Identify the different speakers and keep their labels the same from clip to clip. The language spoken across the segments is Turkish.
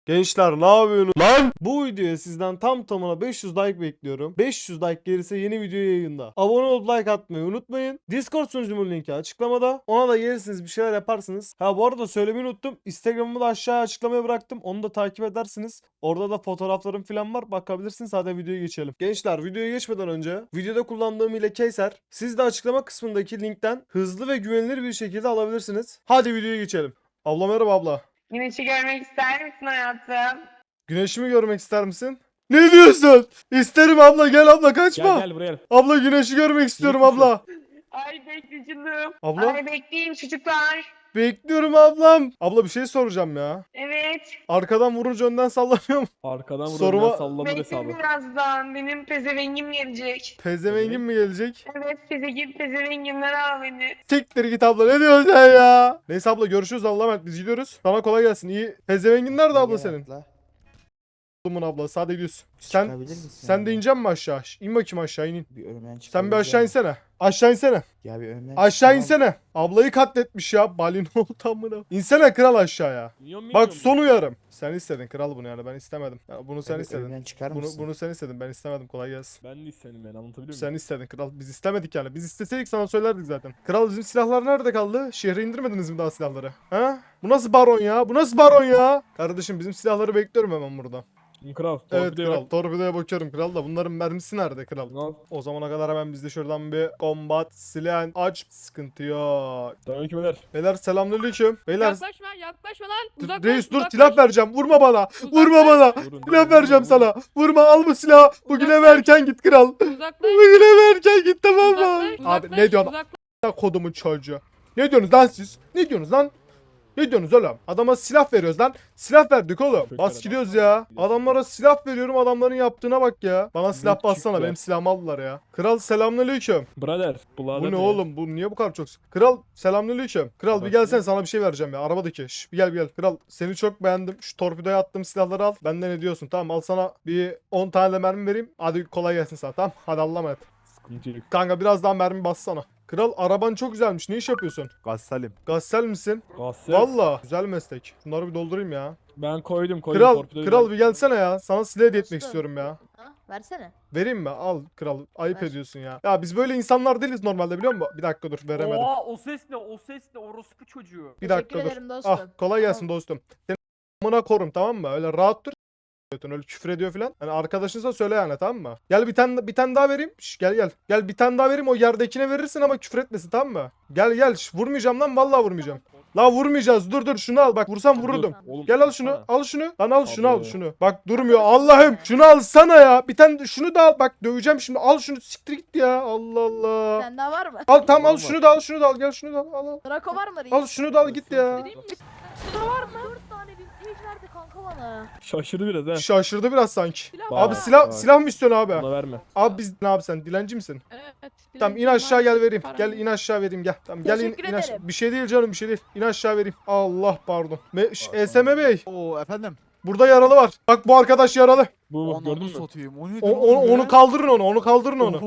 Speaker 1: Gençler ne yapıyorsunuz lan? Bu videoya sizden tam tamına 500 like bekliyorum. 500 like gelirse yeni video yayında. Abone olup like atmayı unutmayın. Discord sunucumun linki açıklamada. Ona da gelirsiniz bir şeyler yaparsınız. Ha bu arada söylemeyi unuttum. Instagram'ımı da aşağıya açıklamaya bıraktım. Onu da takip edersiniz. Orada da fotoğraflarım falan var. Bakabilirsiniz. Hadi videoya geçelim. Gençler videoya geçmeden önce videoda kullandığım ile Keyser. Siz de açıklama kısmındaki linkten hızlı ve güvenilir bir şekilde alabilirsiniz. Hadi videoya geçelim. Abla merhaba abla.
Speaker 2: Güneşi görmek ister misin hayatım?
Speaker 1: Güneşi mi görmek ister misin? Ne diyorsun? İsterim abla, gel abla, kaçma.
Speaker 3: Gel buraya.
Speaker 1: Abla güneşi görmek istiyorum
Speaker 3: Gitmişim.
Speaker 1: abla.
Speaker 2: Ay bekleyicim.
Speaker 1: Abla?
Speaker 2: Ay bekleyin çocuklar.
Speaker 1: Bekliyorum ablam. Abla bir şey soracağım ya.
Speaker 2: Evet.
Speaker 1: Arkadan vurunca önden sallamıyor mu?
Speaker 3: Arkadan
Speaker 1: Soruma-
Speaker 3: vuruyor sallanır
Speaker 2: Bekle
Speaker 3: hesabı.
Speaker 2: birazdan. Benim pezevengim gelecek.
Speaker 1: Pezevengin mi gelecek?
Speaker 2: Evet pezevengimler al beni.
Speaker 1: Siktir git abla, ne diyorsun sen ya? Neyse abla görüşürüz, Allah'a emanet, biz gidiyoruz. Sana kolay gelsin. İyi. Pezevengin nerede abla senin? Oğlumun ablası, hadi gidiyorsun. Sen de ineceksin mi aşağı? İn bakayım aşağı, in.
Speaker 4: Bir önümden
Speaker 1: Sen bir aşağı insene. Aşağı insene.
Speaker 4: Ya bir önümden
Speaker 1: Aşağı
Speaker 4: çıkamam.
Speaker 1: insene. Ablayı katletmiş ya. Balin oldu amına. İnsene kral aşağıya. Bak son uyarım. Sen istedin kral bunu, yani ben istemedim. Ya bunu sen
Speaker 4: Ya bir
Speaker 1: istedin.
Speaker 4: önümden çıkar
Speaker 1: Bunu,
Speaker 4: mısın?
Speaker 1: bunu sen istedin, ben istemedim, kolay gelsin.
Speaker 3: Ben de istedim, ben anlatabiliyor muyum?
Speaker 1: Sen istedin kral, biz istemedik yani. Biz isteseydik sana söylerdik zaten. Kral bizim silahlar nerede kaldı? Şehre indirmediniz mi daha silahları? Ha? Bu nasıl baron ya? Bu nasıl baron ya? Kardeşim bizim silahları bekliyorum hemen burada.
Speaker 3: Kral.
Speaker 1: Evet
Speaker 3: torpidoya
Speaker 1: kral,
Speaker 3: bak.
Speaker 1: torpidoya bakıyorum kral da bunların mermisi nerede kral?
Speaker 3: Al.
Speaker 1: O zamana kadar hemen biz de şuradan bir combat silah aç. Sıkıntı yok.
Speaker 3: Selamünaleyküm beyler.
Speaker 1: Beyler selamünaleyküm. Beyler
Speaker 5: Yaklaşma lan. Uzaklaş,
Speaker 1: reis dur,
Speaker 5: uzaklaş.
Speaker 1: silah vereceğim. Vurma bana.
Speaker 5: Uzaklaş.
Speaker 1: Vurma bana.
Speaker 3: Vurun,
Speaker 1: Silah
Speaker 3: vurun,
Speaker 1: vereceğim
Speaker 3: vurun,
Speaker 1: sana. Vurma, al bu silahı. Bugüne
Speaker 5: Uzaklaş.
Speaker 1: verken git kral.
Speaker 5: Uzaklaş.
Speaker 1: Bugüne verken git, tamam mı?
Speaker 5: Uzaklaş,
Speaker 1: Abi
Speaker 5: uzaklaş,
Speaker 1: ne diyorsun?
Speaker 5: uzaklaş.
Speaker 1: Kodumun çocuğu. Ne diyorsunuz lan siz? Ne diyorsunuz lan? Ne diyorsunuz oğlum? Adama silah veriyoruz lan. Silah verdik oğlum. Bas gidiyoruz ya. Adamlara silah veriyorum, adamların yaptığına bak ya. Bana silah
Speaker 3: Büyük
Speaker 1: bassana,
Speaker 3: çiftler.
Speaker 1: benim silahımı aldılar ya. Kral selamünaleyküm.
Speaker 3: Brother.
Speaker 1: Bu ne oğlum? Bu niye bu kadar çok sık? Kral selamünaleyküm. Kral bir gelsene, sana bir şey vereceğim ya. Arabadaki. Şş, bir gel. Kral seni çok beğendim. Şu torpidoya attığım silahları al. Benden ne diyorsun? Tamam, al sana bir 10 tane de mermi vereyim. Hadi kolay gelsin sana, tamam. Hadi Allah'a emanet.
Speaker 3: Sıkıntı yok.
Speaker 1: Kanka biraz daha mermi bassana. Kral araban çok güzelmiş. Ne iş yapıyorsun?
Speaker 4: Gassalim.
Speaker 1: Gassel misin?
Speaker 3: Gasser.
Speaker 1: Valla güzel meslek. Şunları bir doldurayım ya.
Speaker 3: Ben koydum.
Speaker 1: Kral,
Speaker 3: torpidoyu
Speaker 1: kral
Speaker 3: ben-
Speaker 1: bir gelsene ya. Sana silah hediye etmek
Speaker 6: Dostum.
Speaker 1: istiyorum ya.
Speaker 6: Ha, versene.
Speaker 1: Vereyim mi? Al kral. Ayıp
Speaker 6: Ver.
Speaker 1: ediyorsun ya. Ya biz böyle insanlar değiliz normalde, biliyor musun? Bir dakika dur, veremedim.
Speaker 7: Oha o ses ne? O ses ne? Orospu çocuğu.
Speaker 1: Bir
Speaker 6: Teşekkür
Speaker 1: dakika dur.
Speaker 6: ederim dostum.
Speaker 1: Ah, kolay gelsin dostum. Seni amına korum, tamam mı? Öyle rahat dur. Öyle küfür ediyor falan. Hani arkadaşınsa söyle yani, tamam mı? Gel bir tane daha vereyim. Şş, gel. Gel bir tane daha vereyim, o yerdekine verirsin ama küfür etmesin, tamam mı? Gel. Şş, vurmayacağım lan, vallahi vurmayacağım. La vurmayacağız. Dur şunu al. Bak vursam vururdum.
Speaker 3: Oğlum,
Speaker 1: Gel al şunu.
Speaker 3: baksana.
Speaker 1: Al şunu. Lan al şunu, al
Speaker 3: Abi.
Speaker 1: şunu. Bak durmuyor. Allah'ım. Şunu alsana ya. Bir tane şunu da al. Bak döveceğim şimdi. Al şunu. Siktir git ya. Allah Allah.
Speaker 6: Sen daha var mı?
Speaker 1: Al tamam, al
Speaker 3: Var.
Speaker 1: şunu da al. Şunu da al. Gel şunu da al. Al.
Speaker 6: Draco var mı?
Speaker 1: Al şunu da al git ya.
Speaker 6: Var mı? 4 tane vintage verdi kanka bana.
Speaker 3: Şaşırdı biraz ha.
Speaker 1: Şaşırdı biraz sanki.
Speaker 5: Silah
Speaker 1: Abi
Speaker 5: var.
Speaker 1: silah mı istiyorsun abi?
Speaker 3: Buna verme.
Speaker 1: Abi biz ne abi, sen dilenci misin?
Speaker 5: Evet.
Speaker 1: Tamam in
Speaker 5: dilenciyim
Speaker 1: aşağı,
Speaker 5: abi,
Speaker 1: gel vereyim.
Speaker 5: param
Speaker 1: Gel
Speaker 5: yok.
Speaker 1: in aşağı vereyim, gel. Tamam gel in
Speaker 6: Teşekkür
Speaker 1: aşağı.
Speaker 6: ederim.
Speaker 1: Bir şey değil canım, bir şey değil. İn aşağı vereyim. Allah pardon. ESM Bey,
Speaker 4: Oo efendim.
Speaker 1: burada yaralı var. Bak bu arkadaş yaralı.
Speaker 3: Bu gördün mü?
Speaker 4: Satayım. O ne
Speaker 1: Onu kaldırın onu. Onu kaldırın onu.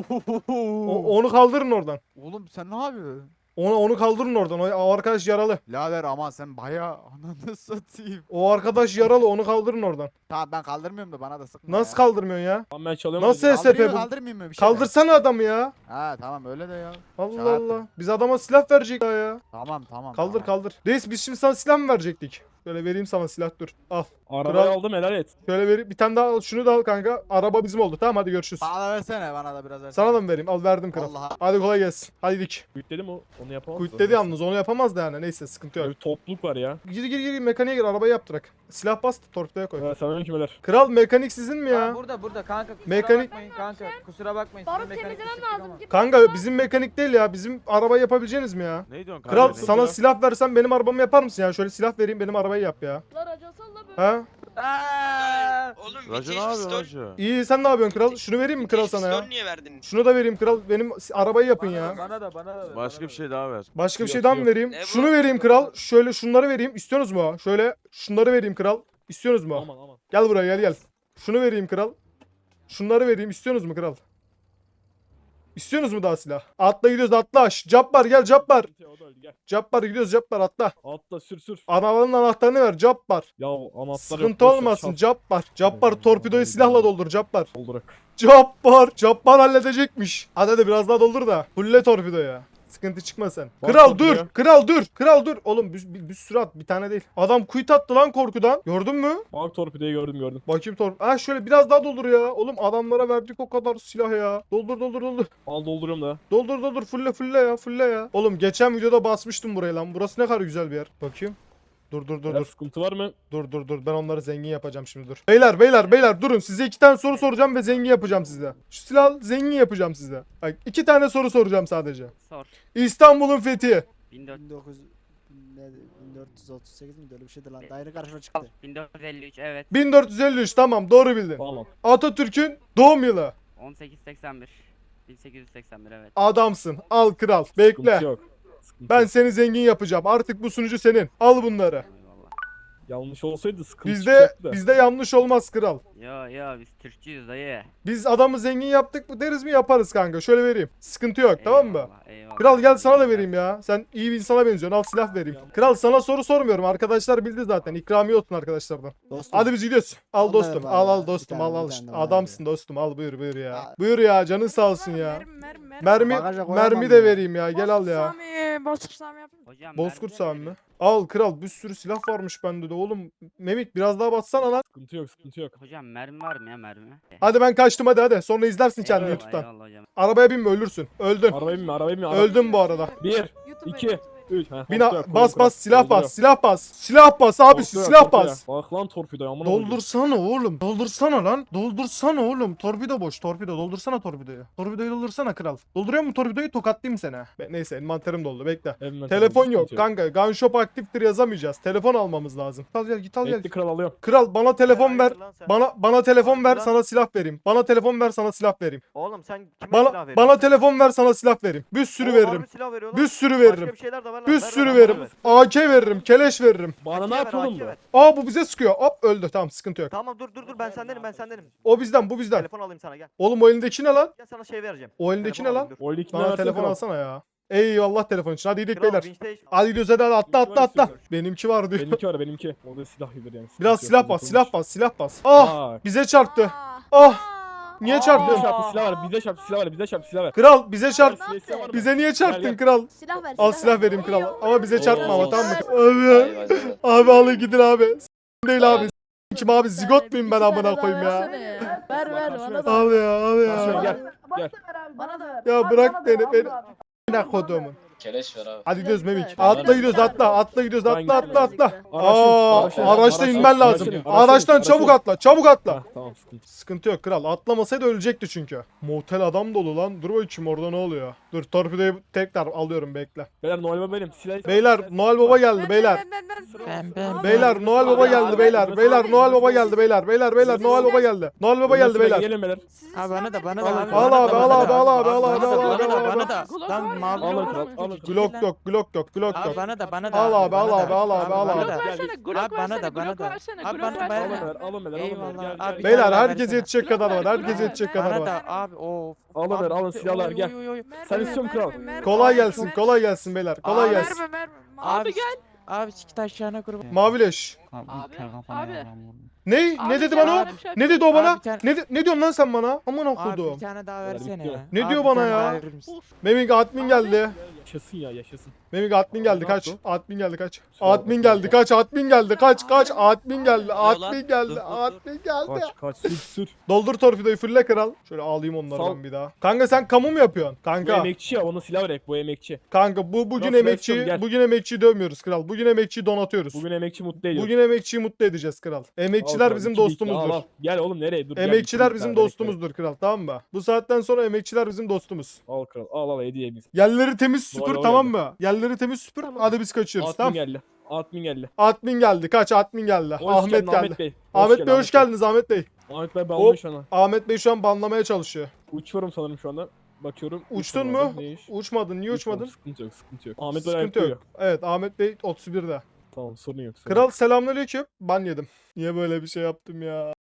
Speaker 1: Onu kaldırın oradan.
Speaker 4: Oğlum sen ne yapıyorsun?
Speaker 1: Onu kaldırın oradan. O arkadaş yaralı.
Speaker 4: Lader ama sen bayağı ananı satayım.
Speaker 1: O arkadaş yaralı. Onu kaldırın oradan.
Speaker 4: Tamam ben kaldırmıyorum da bana da sıkma
Speaker 1: Nasıl
Speaker 4: ya.
Speaker 1: kaldırmıyorsun ya?
Speaker 3: Tamam ben çalıyorum.
Speaker 1: Nasıl
Speaker 3: hadi.
Speaker 1: SCP
Speaker 4: Kaldırayım
Speaker 1: bu?
Speaker 4: mı kaldırmayayım mı bir şey mi?
Speaker 1: Kaldırsana adamı ya.
Speaker 4: Ha tamam öyle de ya.
Speaker 1: Allah
Speaker 4: Şaka yaptım.
Speaker 1: Allah. Biz adama silah verecek ya.
Speaker 4: Tamam.
Speaker 1: Kaldır
Speaker 4: tamam.
Speaker 1: kaldır. Reis biz şimdi sana silah mı verecektik? Şöyle vereyim sana silah, dur. Al.
Speaker 3: Arabayı
Speaker 1: Kral-
Speaker 3: aldım, helal et.
Speaker 1: Şöyle vereyim. Bir tane daha al. Şunu da al kanka. Araba bizim oldu. Tamam hadi görüşürüz.
Speaker 4: Bana da versene bana da biraz versene.
Speaker 1: Sana da mı vereyim? Al verdim kral.
Speaker 4: Vallahi.
Speaker 1: Hadi kolay gelsin. Hadi dik.
Speaker 3: Kuyut dedim o. Onu yapamaz.
Speaker 1: Kuyut dedi yalnız, onu yapamaz da yani. Neyse sıkıntı yok.
Speaker 3: Böyle bir topluluk var ya.
Speaker 1: Gir mekaniğe gir, arabayı yaptırak. Silah bas, torpidoya koy.
Speaker 3: Ha, selamünaleyküm beyler.
Speaker 1: Kral mekanik sizin mi ya?
Speaker 7: Burada kanka kusura
Speaker 1: Mekanik-
Speaker 7: bakmayın kanka. Kusura bakmayın.
Speaker 6: Barut
Speaker 7: sizin mekanik
Speaker 6: temizlemem
Speaker 7: işi
Speaker 6: lazım.
Speaker 7: ama.
Speaker 6: Git
Speaker 1: Kanka
Speaker 6: baksana.
Speaker 1: bizim mekanik değil ya. Bizim arabayı yapabileceğiniz mi ya?
Speaker 4: Ne diyorsun
Speaker 1: Kral
Speaker 3: Kanka,
Speaker 1: sana
Speaker 3: ya.
Speaker 1: silah versem benim arabamı yapar mısın ya? Şöyle silah vereyim, benim arabayı yap ya.
Speaker 6: Lan racon salla böyle.
Speaker 1: Ha?
Speaker 7: Aa!
Speaker 8: Oğlum
Speaker 4: Racı ne
Speaker 8: Vintage
Speaker 4: yapıyorsun
Speaker 8: Pistol.
Speaker 4: Racı?
Speaker 1: İyi, sen ne yapıyorsun kral? Şunu vereyim mi kral sana ya?
Speaker 8: Pistol niye verdin?
Speaker 1: Şunu da vereyim kral. Benim arabayı yapın ya.
Speaker 7: Bana da.
Speaker 4: Başka bir şey daha ver.
Speaker 1: Başka bir
Speaker 3: Yok,
Speaker 1: şey daha mı
Speaker 3: yok.
Speaker 1: vereyim?
Speaker 8: Ne bu?
Speaker 1: Şunu vereyim kral. Şöyle şunları vereyim. İstiyorsunuz mu? Şöyle şunları vereyim kral. İstiyorsunuz mu?
Speaker 3: Aman.
Speaker 1: Gel buraya, gel. Şunu vereyim kral. Şunları vereyim. İstiyorsunuz mu kral? İstiyorsunuz mu daha silah? Atla gidiyoruz atla. Cabbar gel Cabbar.
Speaker 3: O da öldü, gel.
Speaker 1: Cabbar gidiyoruz Cabbar atla.
Speaker 3: Atla sür.
Speaker 1: Arabanın anahtarını ver Cabbar.
Speaker 3: Ya anahtar
Speaker 1: Sıkıntı olmasın Cabbar. Cabbar torpidoyu silahla doldur Cabbar.
Speaker 3: Doldurak.
Speaker 1: Cabbar halledecekmiş. Hadi biraz daha doldur da. Fulle torpidoya. Sıkıntı çıkma sen.
Speaker 3: Bak
Speaker 1: Kral dur.
Speaker 3: torpidoya.
Speaker 1: Kral dur. Oğlum bir sürü at. Bir tane değil. Adam quit attı lan korkudan. Gördün mü?
Speaker 3: Bak torpidoyu gördüm.
Speaker 1: Bakayım Ha şöyle biraz daha doldur ya. Oğlum adamlara verdik o kadar silah ya. Doldur.
Speaker 3: Al dolduruyorum da.
Speaker 1: Doldur. Fulle ya. Oğlum geçen videoda basmıştım buraya lan. Burası ne kadar güzel bir yer. Bakayım. Dur.
Speaker 3: Biraz sıkıntı var mı?
Speaker 1: Dur. Ben onları zengin yapacağım şimdi dur. Beyler durun. Size 2 tane soru soracağım ve zengin yapacağım size. Şu silah zengin yapacağım size. Bak 2 tane soru soracağım sadece.
Speaker 8: Sor.
Speaker 1: İstanbul'un fethi.
Speaker 9: 1438 mi öyle bir şeydi lan. Daire karşıma çıktı.
Speaker 8: 1453 evet.
Speaker 1: 1453 tamam doğru bildin.
Speaker 3: Tamam.
Speaker 1: Atatürk'ün doğum yılı.
Speaker 8: 1881. 1881 evet.
Speaker 1: Adamsın. Al kral. Bekle.
Speaker 3: Sıkıntı yok. Sıkıntı
Speaker 1: Ben
Speaker 3: yok.
Speaker 1: seni zengin yapacağım. Artık bu sunucu senin. Al bunları.
Speaker 8: Eyvallah.
Speaker 3: Yanlış olsaydı sıkıntı
Speaker 1: Bizde
Speaker 3: çıkacaktı da.
Speaker 1: bizde yanlış olmaz kral.
Speaker 8: Ya biz Türkçüyüz dayı.
Speaker 1: Biz adamı zengin yaptık mı deriz mi yaparız kanka. Şöyle vereyim. Sıkıntı yok tamam mı?
Speaker 8: Eyvallah.
Speaker 1: Kral gel sana da vereyim ya. Sen iyi bir insana benziyorsun. Al silah vereyim. Kral sana soru sormuyorum. Arkadaşlar bildi zaten. İkramiye olsun arkadaşlardan.
Speaker 9: Dostum.
Speaker 1: Hadi biz gidiyoruz. Al
Speaker 9: Al
Speaker 1: dostum.
Speaker 9: ver
Speaker 1: Al
Speaker 9: bana
Speaker 1: al
Speaker 9: ya.
Speaker 1: dostum.
Speaker 9: Bir
Speaker 1: Al
Speaker 9: tane,
Speaker 1: al.
Speaker 9: bir
Speaker 1: İşte.
Speaker 9: tane de
Speaker 1: Adamsın dostum. Al buyur ya.
Speaker 9: Aa.
Speaker 1: Buyur ya. Canın sağ olsun ya. Mermi
Speaker 9: Bagaja koyamam
Speaker 1: de
Speaker 9: ya.
Speaker 1: vereyim ya. Gel al ya.
Speaker 6: Bozkurt Sami yapayım.
Speaker 8: Hocam
Speaker 1: Bozkurt
Speaker 8: mermi
Speaker 1: Sami
Speaker 8: de
Speaker 1: mi? Al kral bir sürü silah varmış bende de oğlum. Memik biraz daha bassana lan.
Speaker 3: Sıkıntı yok.
Speaker 8: Hocam mermi var mı ya mermi?
Speaker 1: Hadi ben kaçtım hadi. Sonra izlersin kendini
Speaker 8: Eyvallah,
Speaker 1: YouTube'dan.
Speaker 8: eyvallah hocam.
Speaker 1: Arabaya binme ölürsün. Öldün.
Speaker 3: Arabaya binme.
Speaker 1: Öldüm bu arada.
Speaker 3: 1,
Speaker 6: YouTube'a
Speaker 3: 2,
Speaker 6: YouTube'a.
Speaker 3: 3.
Speaker 1: Bas silah bas. Silah bas abisi silah bas.
Speaker 3: Bak lan torpidoya amına
Speaker 1: Doldursana oğlum. Doldursana lan. Doldursana oğlum. Torpido boş. Torpido. Doldursana torpidoyu. Torpidoyu doldursana kral. Dolduruyor mu torpidoyu? Tokatlayayım seni. Neyse envanterim doldu. Bekle. Telefon yok kanka. Gun shop aktiftir yazamayacağız. Telefon almamız lazım. Al gel git al gel.
Speaker 3: Bekle kral alıyorum.
Speaker 1: Kral bana telefon ver. Bana telefon ver
Speaker 7: Lan.
Speaker 1: sana silah vereyim. Bana telefon ver sana silah vereyim.
Speaker 7: Oğlum sen kime silah
Speaker 1: Bana
Speaker 7: veriyorsun?
Speaker 1: bana telefon ver sana silah vereyim. Bir sürü
Speaker 7: Oğlum,
Speaker 1: veririm.
Speaker 7: harbi silah veriyor lan.
Speaker 1: Bir sürü
Speaker 7: Başka
Speaker 1: veririm.
Speaker 7: bir şeyler de var lan.
Speaker 1: Bir
Speaker 7: Ver,
Speaker 1: sürü
Speaker 7: ver,
Speaker 1: veririm.
Speaker 7: ver.
Speaker 1: AK veririm. Keleş veririm.
Speaker 3: Bana ne
Speaker 7: AK ver,
Speaker 3: yapıyor oğlum
Speaker 7: AK
Speaker 3: bu?
Speaker 7: ver.
Speaker 1: Aa bu bize sıkıyor. Hop öldü. Tamam sıkıntı yok.
Speaker 7: Tamam dur ben sendenim.
Speaker 1: O bizden bu bizden.
Speaker 7: Telefon alayım sana gel.
Speaker 1: Oğlum o elindeki ne lan?
Speaker 7: Gel sana şey vereceğim.
Speaker 1: O elindeki
Speaker 7: Telefon
Speaker 1: ne lan?
Speaker 7: alayım, dur.
Speaker 3: O eldeki
Speaker 1: Bana telefon alsana ya. Eyvallah telefon için. Hadi gidelim
Speaker 7: Kral,
Speaker 1: beyler.
Speaker 7: vinçte iş-
Speaker 1: Hadi gidiyoruz hadi atla
Speaker 3: Benimki
Speaker 1: atla
Speaker 3: var
Speaker 1: atla.
Speaker 3: istiyorsan.
Speaker 1: Benimki var diyor.
Speaker 3: Benimki. O da silah gibidir yani.
Speaker 1: Biraz
Speaker 3: Sıkıntı
Speaker 1: silah
Speaker 3: yok,
Speaker 1: bas
Speaker 3: yapılmış.
Speaker 1: silah bas. Ah
Speaker 3: Bak.
Speaker 1: bize çarptı.
Speaker 6: Aa,
Speaker 1: Ah
Speaker 6: aa,
Speaker 1: niye
Speaker 6: aa.
Speaker 1: çarptın?
Speaker 3: Bize çarptı silah var. Bize çarptı silah var.
Speaker 1: Kral bize çarp.
Speaker 3: Silah isteyen var mı?
Speaker 1: Bize niye çarptın
Speaker 3: Gel.
Speaker 1: kral?
Speaker 6: Silah ver.
Speaker 1: Al silah vereyim kral. Ama bize
Speaker 3: Oo.
Speaker 1: çarpma ama tamam mı?
Speaker 6: Ver.
Speaker 1: Abi alın gidin abi. Değil abi. Kim abi zigot muyum ben amına koyayım ya.
Speaker 6: Ver bana da.
Speaker 1: Al ya
Speaker 3: Şöyle gel. Gel.
Speaker 6: Bana da ver.
Speaker 1: Ya bırak beni. Ne kodumun.
Speaker 10: Keleş ver abi.
Speaker 1: Hadi gidiyoruz Memik.
Speaker 6: Ver.
Speaker 1: Atla gidiyoruz atla gidiyoruz
Speaker 3: Ben
Speaker 1: atla
Speaker 3: gittim.
Speaker 1: atla. Aa
Speaker 3: Araçtan-
Speaker 1: araçta inmen lazım.
Speaker 3: araçtan-
Speaker 1: Araçtan çabuk çabuk atla.
Speaker 3: Ha, tamam sıkıntı.
Speaker 1: Sıkıntı yok kral. Atlamasaydı ölecekti çünkü. Motel adam dolu lan. Dur bakayım orada ne oluyor. Dur torpidoyu tekrar alıyorum bekle.
Speaker 3: Beyler Noel Baba benim. Silah
Speaker 1: Beyler Noel Baba geldi beyler. Beyler Noel Baba geldi beyler. Beyler Noel Baba geldi beyler. Beyler Noel Baba geldi. Noel Baba geldi beyler.
Speaker 3: Gelin beyler.
Speaker 4: Abi bana da
Speaker 1: Al abi al abi al abi al abi al abi.
Speaker 4: Bana da. Lan mavi.
Speaker 3: Alın kral. Alın kral.
Speaker 1: Glock yok Glock yok Glock
Speaker 4: Abi
Speaker 1: yok.
Speaker 4: bana da.
Speaker 1: Al abi al abi al abi al
Speaker 4: Bana
Speaker 1: abi.
Speaker 4: da.
Speaker 3: Gel.
Speaker 4: Abi bana da. Abi bana da.
Speaker 3: Alın beyler. Alın beyler.
Speaker 4: Eyvallah.
Speaker 3: Gel.
Speaker 4: Abi,
Speaker 1: Beyler
Speaker 4: tane daha
Speaker 1: herkese
Speaker 4: versene.
Speaker 1: yetecek kadar var. Herkese yetecek kadar
Speaker 4: Bana
Speaker 1: var.
Speaker 4: da abi of.
Speaker 3: Alın beyler. Alın
Speaker 4: Abi,
Speaker 3: silahlar
Speaker 4: oy,
Speaker 3: gel.
Speaker 4: oy, oy.
Speaker 3: Sen istiyor musun kral?
Speaker 1: Kolay gelsin kolay gelsin beyler. Kolay
Speaker 4: Abi,
Speaker 1: gelsin.
Speaker 4: Abi gel. Abi sikit aşağına grubu.
Speaker 1: Mavileş.
Speaker 6: Abi.
Speaker 1: Ne? Ne dedi bana?
Speaker 4: Abi,
Speaker 1: Ne dedi o bana?
Speaker 4: Abi, bir tane-
Speaker 1: Ne diyorsun lan sen bana? Aman
Speaker 4: Abi
Speaker 1: okudum.
Speaker 4: bir tane daha versene
Speaker 3: bitiyor.
Speaker 4: ya.
Speaker 1: Ne
Speaker 4: Abi,
Speaker 1: diyor
Speaker 4: bir
Speaker 1: bana
Speaker 4: tane
Speaker 1: ya?
Speaker 4: daha verir misin?
Speaker 1: Memik admin geldi.
Speaker 3: Yaşasın ya yaşasın.
Speaker 1: Memik admin geldi
Speaker 3: Ne
Speaker 1: kaç.
Speaker 3: yaptı?
Speaker 1: Admin geldi kaç.
Speaker 3: Kusura
Speaker 1: Admin
Speaker 3: bakma.
Speaker 1: geldi kaç. Admin geldi kaç. Admin geldi. Admin geldi. Admin geldi.
Speaker 3: Kaç sür.
Speaker 1: Doldur torpidoyu fulle kral. Şöyle alayım onlardan
Speaker 3: Sal.
Speaker 1: bir daha. Kanka sen kamu mu yapıyorsun?
Speaker 3: Bu
Speaker 1: Kanka.
Speaker 3: emekçi ya ona silah verek bu emekçi.
Speaker 1: Kanka bugün
Speaker 3: Nasıl
Speaker 1: emekçiyi
Speaker 3: versiyon, gel.
Speaker 1: bugün emekçiyi dövmüyoruz kral. Bugün emekçiyi donatıyoruz.
Speaker 3: Bugün emekçi mutlu ediyor.
Speaker 1: Bugün emekçiyi mutlu edeceğiz kral. Emekçiler bizim dostumuzdur.
Speaker 3: Gel oğlum nereye dur.
Speaker 1: Emekçiler bizim dostumuzdur kral tamam mı? Bu saatten sonra emekçiler bizim dostumuz.
Speaker 3: Al kral al hediye biz.
Speaker 1: Yerleri temiz süpür
Speaker 3: Doğru,
Speaker 1: tamam
Speaker 3: geldi.
Speaker 1: mı? Yerleri temiz süpür. Hadi biz kaçıyoruz
Speaker 3: Admin
Speaker 1: tamam.
Speaker 3: geldi. Admin geldi.
Speaker 1: Admin geldi. Kaç Admin geldi.
Speaker 3: Hoş
Speaker 1: Ahmet
Speaker 3: geldin
Speaker 1: geldi.
Speaker 3: Ahmet Bey.
Speaker 1: Ahmet Bey hoş geldiniz Ahmet Bey.
Speaker 3: Ahmet Bey ben
Speaker 1: Hop.
Speaker 3: şu an.
Speaker 1: Ahmet Bey şu an banlamaya çalışıyor.
Speaker 3: Uçuyorum sanırım şu anda. Bakıyorum.
Speaker 1: Uçtun
Speaker 3: uçmadım.
Speaker 1: mu?
Speaker 3: Ne iş?
Speaker 1: Uçmadın. Niye uçmadın?
Speaker 3: Sıkıntı yok sıkıntı yok. Ahmet Bey
Speaker 1: Sıkıntı
Speaker 3: ayakta
Speaker 1: yok.
Speaker 3: uyuyor.
Speaker 1: Evet Ahmet Bey 31'de.
Speaker 3: Tamam sorun yok.
Speaker 1: Kral selamünaleyküm. Ban yedim. Niye böyle bir şey yaptım ya?